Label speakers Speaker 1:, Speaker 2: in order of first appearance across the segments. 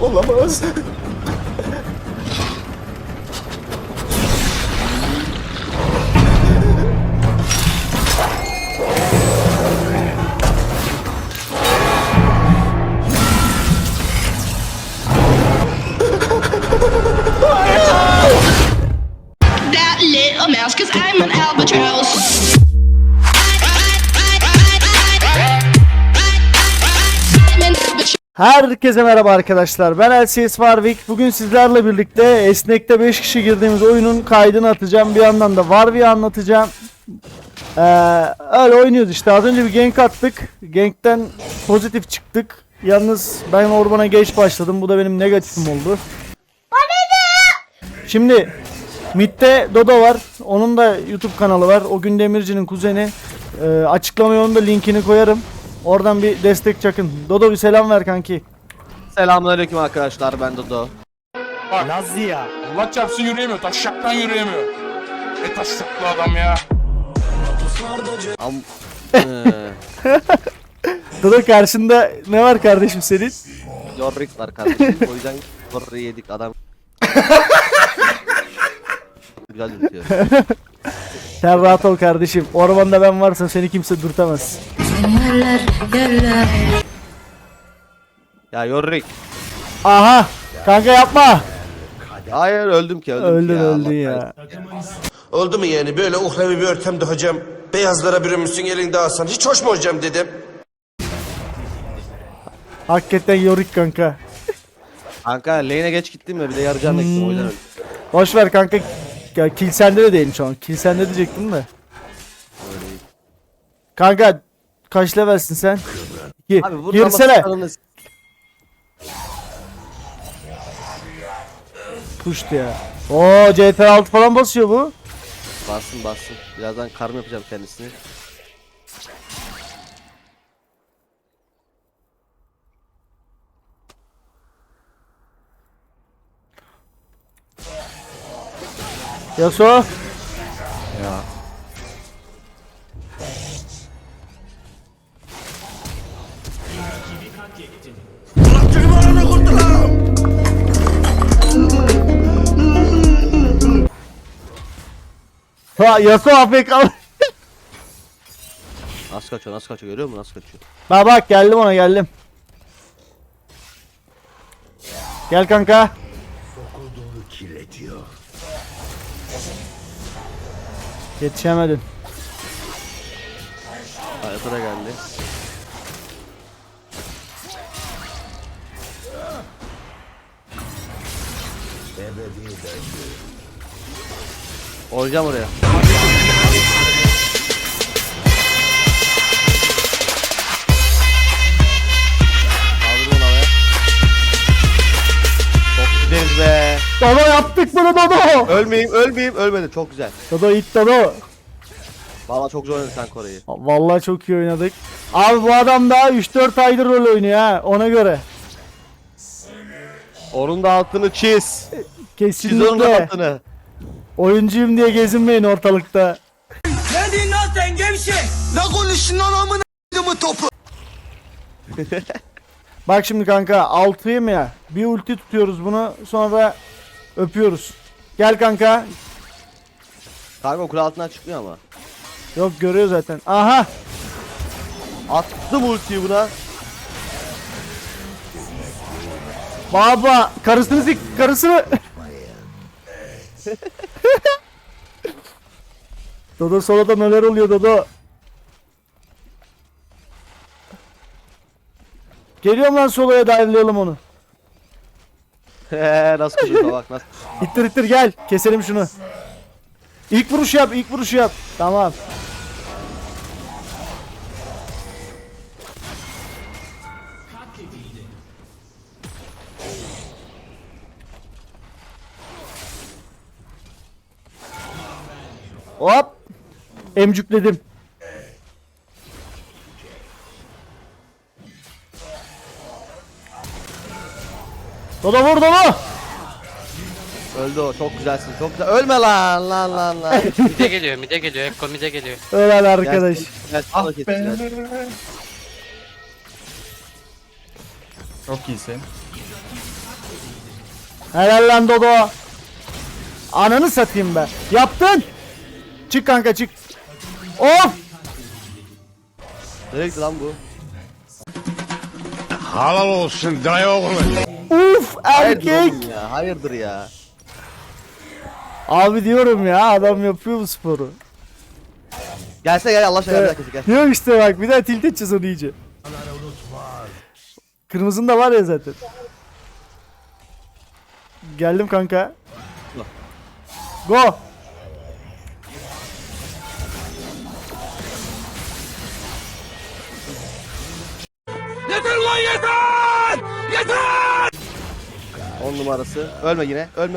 Speaker 1: Olamaz.
Speaker 2: That little mouse, 'cause I'm an albatross.
Speaker 3: Herkese merhaba arkadaşlar. Ben LCS Warwick. Bugün sizlerle birlikte Esnek'te 5 kişi girdiğimiz oyunun kaydını atacağım. Bir yandan da Warwick'i anlatacağım. Öyle oynuyoruz işte. Az önce bir gank attık. Gank'ten pozitif çıktık. Yalnız ben ormana geç başladım. Bu da benim negatifim oldu. Şimdi mid'de Dodo var. Onun da YouTube kanalı var. O gün Demirci'nin kuzeni. Açıklamaya onun da linkini koyarım. Oradan bir destek çakın. Dodo bir selam ver kanki.
Speaker 4: Selamünaleyküm arkadaşlar, ben Dodo.
Speaker 5: Bak
Speaker 3: Lazlı ya.
Speaker 5: Allah çarpsın yürüyemiyor. Taşşaktan yürüyemiyor. Taşşaklı adam ya.
Speaker 4: Am
Speaker 3: Dodo karşında ne var kardeşim senin?
Speaker 4: Yorick var kardeşim. O yüzden Yorick'i yedik adam. Güzel yürütüyor.
Speaker 3: Sen rahat ol kardeşim. Ormanda ben varsam seni kimse dürtemez.
Speaker 4: Ya Yorick.
Speaker 3: Aha! Kanka yapma!
Speaker 4: Hayır, öldüm ki
Speaker 3: Öldün
Speaker 4: ya.
Speaker 3: öldün
Speaker 4: Allah
Speaker 3: ya.
Speaker 1: Oldu mu yani böyle uhrevi bir ortamda hocam? Beyazlara bürünmüşsün elinde alsan. Hiç hoş mu hocam dedim.
Speaker 3: Hakikaten yorik kanka.
Speaker 4: Kanka lane'e geç gittim ya, bir de yarı canla gittim, o yüzden öldüm.
Speaker 3: Boş ver kanka. Ya, kill sende de değilim şu an. Kill sende diyecektim de. Kanka kaç levelsin sen? 2.
Speaker 4: Abi burada
Speaker 3: Girsene.
Speaker 4: ama
Speaker 3: Puştu ya. Oo CT6 falan basıyor bu.
Speaker 4: bassın. Birazdan karım yapacağım kendisini.
Speaker 3: Yasuo. Ha Yasuo AFK.
Speaker 4: Nasıl kaçıyor görüyor musun, nasıl kaçıyor?
Speaker 3: Bak geldim ona geldim. Gel kanka. Yetişemedin.
Speaker 4: Hayata da geldi. Olacağım oraya. Kaldırın havaya. Çok güzel be.
Speaker 3: Dodo yaptık bunu Dodo.
Speaker 4: Ölmeyeyim. Ölmedim. Çok güzel.
Speaker 3: Dodo it Dodo.
Speaker 4: Vallahi çok zor oynadık kanka orayı.
Speaker 3: Vallahi çok iyi oynadık. Abi bu adam daha 3-4 aydır rol oynuyor ha ona göre.
Speaker 4: Onun da altını çiz. Çiz onun da
Speaker 3: Kesinlikle.
Speaker 4: altını.
Speaker 3: Oyuncuyum diye gezinmeyin ortalıkta. Bak şimdi kanka 6'yı mı ya? Bir ulti tutuyoruz bunu sonra öpüyoruz. Gel kanka.
Speaker 4: Kanka o kule altından çıkmıyor ama.
Speaker 3: Yok görüyor zaten. Aha.
Speaker 4: Attım ultiyi buna.
Speaker 3: Baba karısını sik karısını. Dodo solada neler oluyor Dodo? Geliyorum lan soloya dive'layalım onu.
Speaker 4: Nasıl kızıyor bak nasıl.
Speaker 3: İttir gel keselim şunu. İlk vuruşu yap. Tamam. Hop. Emcükledim. Dodo vur Dodo.
Speaker 4: Öldü o, çok güzelsin, çok güzel. Ölme lan.
Speaker 6: Mide geliyor. Ekko mide geliyor.
Speaker 3: Ölen arkadaş.
Speaker 4: Ah be.
Speaker 5: Çok iyisin.
Speaker 3: Helal lan Dodo. Ananı satayım be. Yaptın. Çık kanka çık. Of.
Speaker 4: Nereye gitti lan bu?
Speaker 7: Halal olsun dayı oğlu.
Speaker 3: Uf
Speaker 4: Hayırdır
Speaker 3: erkek.
Speaker 4: oğlum ya? Hayırdır ya?
Speaker 3: Abi diyorum ya adam yapıyor bu sporu.
Speaker 4: Gelsene gel Allah aşkına gel gel.
Speaker 3: Yok işte bak bir daha tilt edeceğiz onu iyice. Kırmızın da var ya zaten. Geldim kanka. Go.
Speaker 5: Yeter lan yeter! Yeter!
Speaker 4: 10 numarası. Ölme yine. Ölme.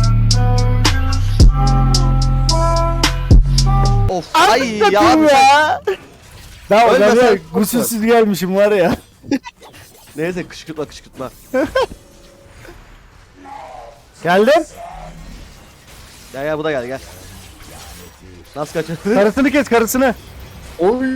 Speaker 4: Of. Ay ya.
Speaker 3: Satayım ya. Daha
Speaker 4: Ölme
Speaker 3: ben
Speaker 4: sen,
Speaker 3: ya
Speaker 4: korkma.
Speaker 3: gusülsüz gelmişim var ya.
Speaker 4: Neyse kışkırtma kışkırtma.
Speaker 3: Geldim.
Speaker 4: Gel gel bu da gel gel. Nasıl kaçırdın?
Speaker 3: Karısını kes karısını.
Speaker 4: Oy.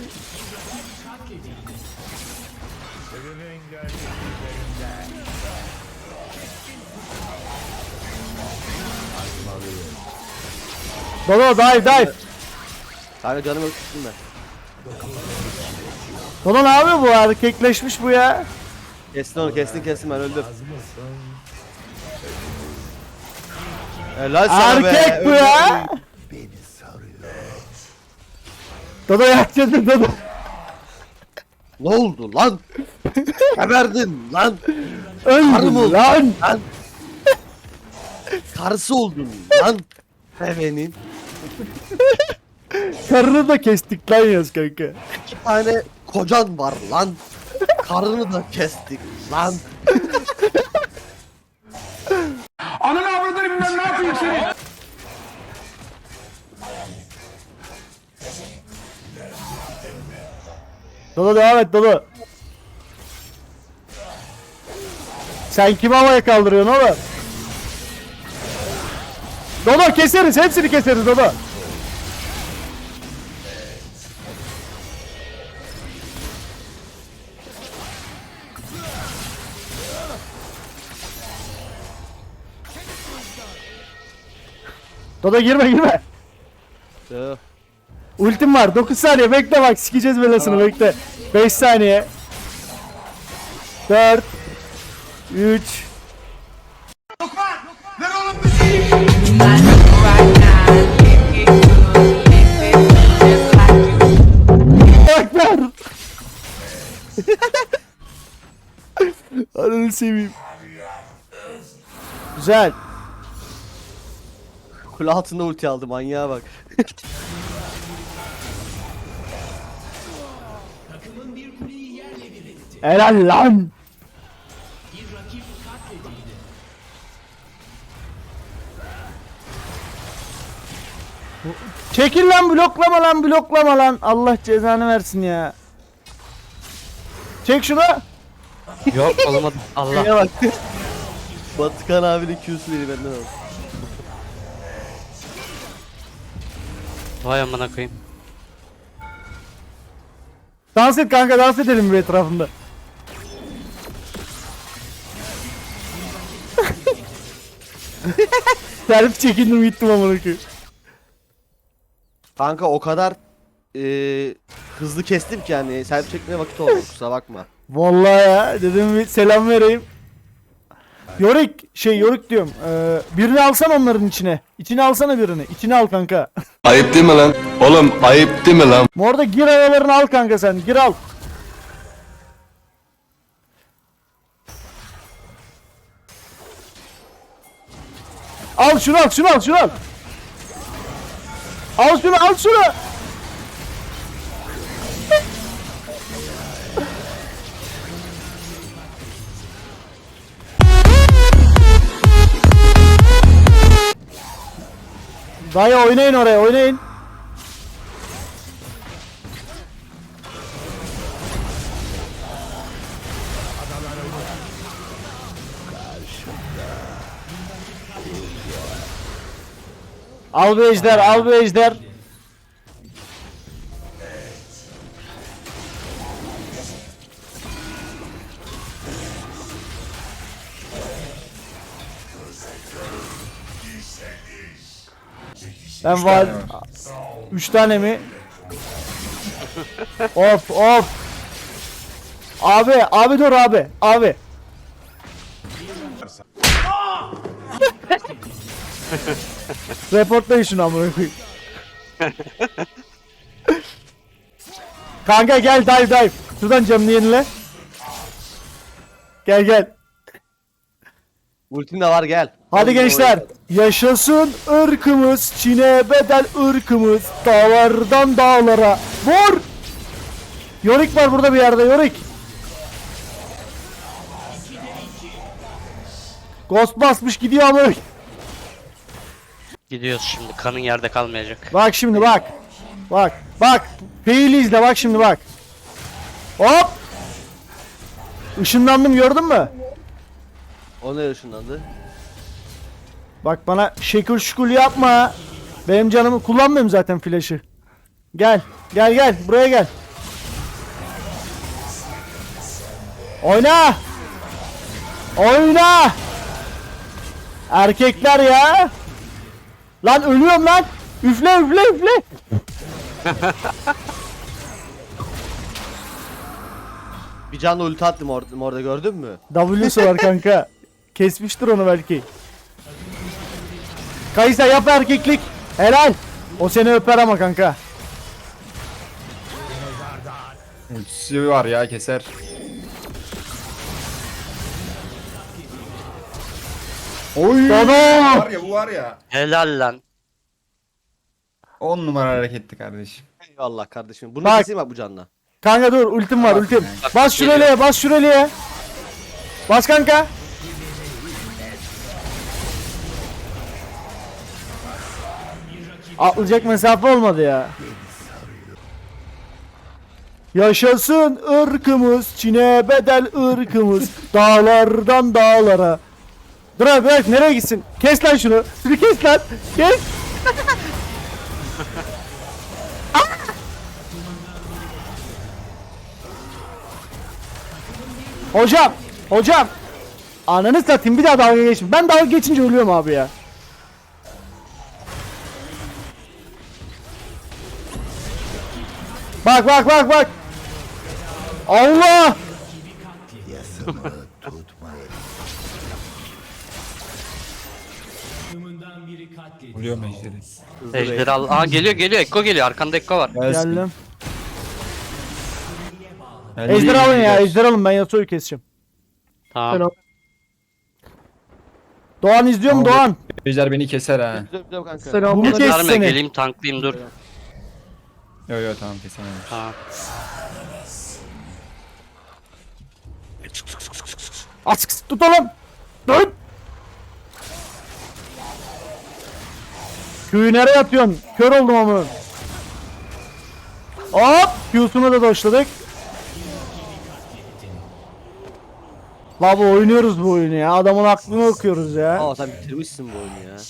Speaker 3: Dodo dive dive.
Speaker 4: Kanka canımı öptüm ben.
Speaker 3: Dodo ne yapıyor bu erkekleşmiş bu ya.
Speaker 4: Kestin onu kestin ben öldüm. Helal sana be.
Speaker 3: Erkek bu ya. Dodo yakacaksın Dodo.
Speaker 4: Ne oldu lan? Geberdin lan. Karım
Speaker 3: Öldün
Speaker 4: oldun
Speaker 3: lan.
Speaker 4: lan. Karısı oldun lan. Sevenin.
Speaker 3: Karını da kestik lan yaz kanka.
Speaker 4: 2 tane kocan var lan. Karını da kestik lan.
Speaker 5: Ananı avradını bilmem ne yapayım seni.
Speaker 3: Dodo devam et Dodo. Sen kimi havaya kaldırıyorsun oğlum? Dodo keseriz hepsini keseriz Dodo. Dodo girme.
Speaker 4: Tüh.
Speaker 3: Ultim var 9 saniye bekle bak sikeceğiz belasını bekle. 5 saniye. 4 3 Ekber. Ananı seveyim. Güzel.
Speaker 4: Kule altında ulti aldı manyağa bak.
Speaker 3: Helal lan. Çekil lan bloklama lan. Allah cezanı versin ya. Çek şunu.
Speaker 6: Yok olmadı. Allah.
Speaker 4: Neye bak. Batıkan abinin Q'su beni benden aldı.
Speaker 6: Vay amına koyayım.
Speaker 3: Dans et kanka dans edelim bir etrafında. Selfie çekindim gittim amına koyayım.
Speaker 4: Kanka o kadar hızlı kestim ki yani selfie çekmeye vakit olmadı kusura bakma.
Speaker 3: Vallahi ya dedim bir selam vereyim. Yorik diyorum. Birini alsan onların içine. İçine alsana birini. İçine al kanka.
Speaker 7: Ayıp değil mi lan? Oğlum ayıp değil mi lan?
Speaker 3: Orada gir aralarını al kanka sen. Gir al. Al şunu al. Al şunu. Dayı oynayın oraya oynayın. Al bir ejder. Ben var. 3 tane mi? Of of. Abi dur abi. Reportlayın şunu amına koyayım. Kanka gel dive. Şuradan canını yenile. Gel.
Speaker 4: Ultin de var gel.
Speaker 3: Hadi gençler. Yaşasın ırkımız, Çin'e bedel ırkımız, dağlardan dağlara. Vur! Yorick var burada bir yerde, Yorick. Ghost basmış gidiyor ama.
Speaker 6: Gidiyoruz şimdi. Kanın yerde kalmayacak.
Speaker 3: Bak şimdi bak. Bak. Fail'i izle bak şimdi bak. Hop! Işınlandım gördün mü?
Speaker 4: O ne ışınlandı?
Speaker 3: Bak bana şekil şukul yapma. Benim canımı kullanmıyorum zaten flash'ı. Gel buraya gel. Oyna. Erkekler ya. Lan ölüyorum lan. Üfle.
Speaker 4: Bir canlı ulti attım orada gördün mü?
Speaker 3: W'su var kanka. Kesmiştir onu belki. Kaysa yap erkeklik. Helal. O seni öper ama kanka.
Speaker 8: Ultisi var ya keser. Oy.
Speaker 3: Dodo.
Speaker 8: Var ya bu var ya.
Speaker 6: Helal lan.
Speaker 8: 10 numara hareketti kardeşim.
Speaker 4: Eyvallah kardeşim. Bunu
Speaker 3: Bak.
Speaker 4: keseyim bak bu canla.
Speaker 3: Kanka dur ultim var ultim.
Speaker 6: Bak,
Speaker 3: Bas şuraya. Bas kanka. Atlayacak mesafe olmadı ya. Yaşasın ırkımız, Çin'e bedel ırkımız, dağlardan dağlara. Dur abi bırak nereye gitsin? Kes lan şunu. Şunu kes lan. Kes. Hocam. Ananı satayım bir daha dalga geçme. Ben dalga geçince ölüyorum abi ya. Bak. Allah!
Speaker 8: Oluyor mejderi.
Speaker 6: Ejderi al. Aa geliyor. Ekko geliyor. Arkanda Ekko var.
Speaker 3: Geldim. Ejder alın ya, ejder alın ben Yasuo'yu keseceğim.
Speaker 6: Tamam.
Speaker 3: Doğan izliyor mu Doğan?
Speaker 8: Ejder beni keser ha.
Speaker 4: Güzel kanka.
Speaker 3: Bunu kes
Speaker 6: Gösterme
Speaker 3: seni.
Speaker 6: geleyim tanklayayım dur.
Speaker 8: Yo tamam kesemem.
Speaker 6: Tamam.
Speaker 3: Aç tut oğlum. Dön. Köyü nereye atıyorsun? Kör oldum ama. Hop! Q'sunu da doşladık. Baba oynuyoruz bu oyunu ya. Adamın aklını okuyoruz ya.
Speaker 4: Aa sen bitirmişsin bu oyunu ya.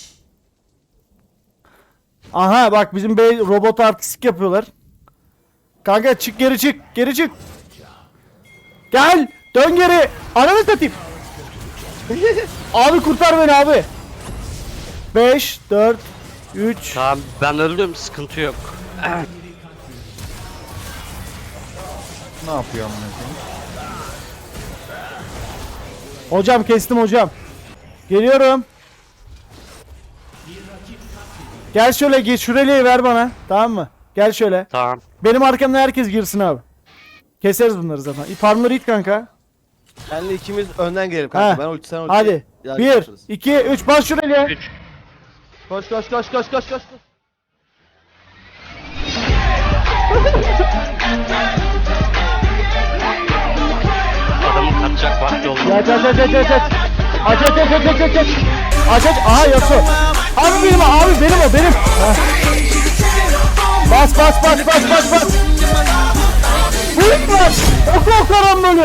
Speaker 3: Aha bak bizim bey robot artistik yapıyorlar. Kanka çık geri çık. Gel dön geri. Ananı satayım. Abi kurtar beni abi. 5 4 3
Speaker 6: Tamam ben öldüm. Sıkıntı yok.
Speaker 8: Ne yapıyor amına koyayım?
Speaker 3: Hocam kestim hocam. Geliyorum. Gel şöyle geç şurayı ver bana. Tamam mı? Gel şöyle.
Speaker 6: Tamam.
Speaker 3: Benim arkamda herkes girsin abi. Keseriz bunları zaten. Farmları it kanka.
Speaker 4: Senle ikimiz önden gelelim kanka.
Speaker 3: Heh.
Speaker 4: Ben ulti sen ulti.
Speaker 3: Hadi.
Speaker 4: Ya,
Speaker 3: 1
Speaker 4: yaparız.
Speaker 3: 2 3 bas şuraya.
Speaker 6: 3.
Speaker 4: Koş.
Speaker 6: Adamın kaçacak vakti oldu.
Speaker 3: Aç. Aç. Aha Yasuo. Abi benim o. Heh. Bas. Vurun var. Oku karambolu.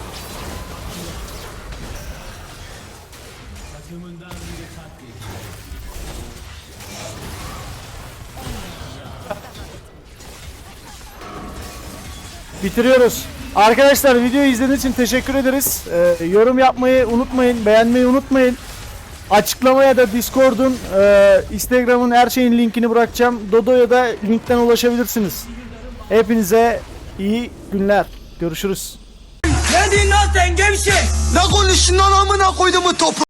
Speaker 3: Bitiriyoruz. Arkadaşlar videoyu izlediğiniz için teşekkür ederiz. Yorum yapmayı unutmayın, beğenmeyi unutmayın. Açıklamaya da Discord'un, Instagram'ın her şeyin linkini bırakacağım. Dodo'ya da linkten ulaşabilirsiniz. Hepinize iyi günler. Görüşürüz.
Speaker 1: Ne konuşun lan amına koyduğumu topu.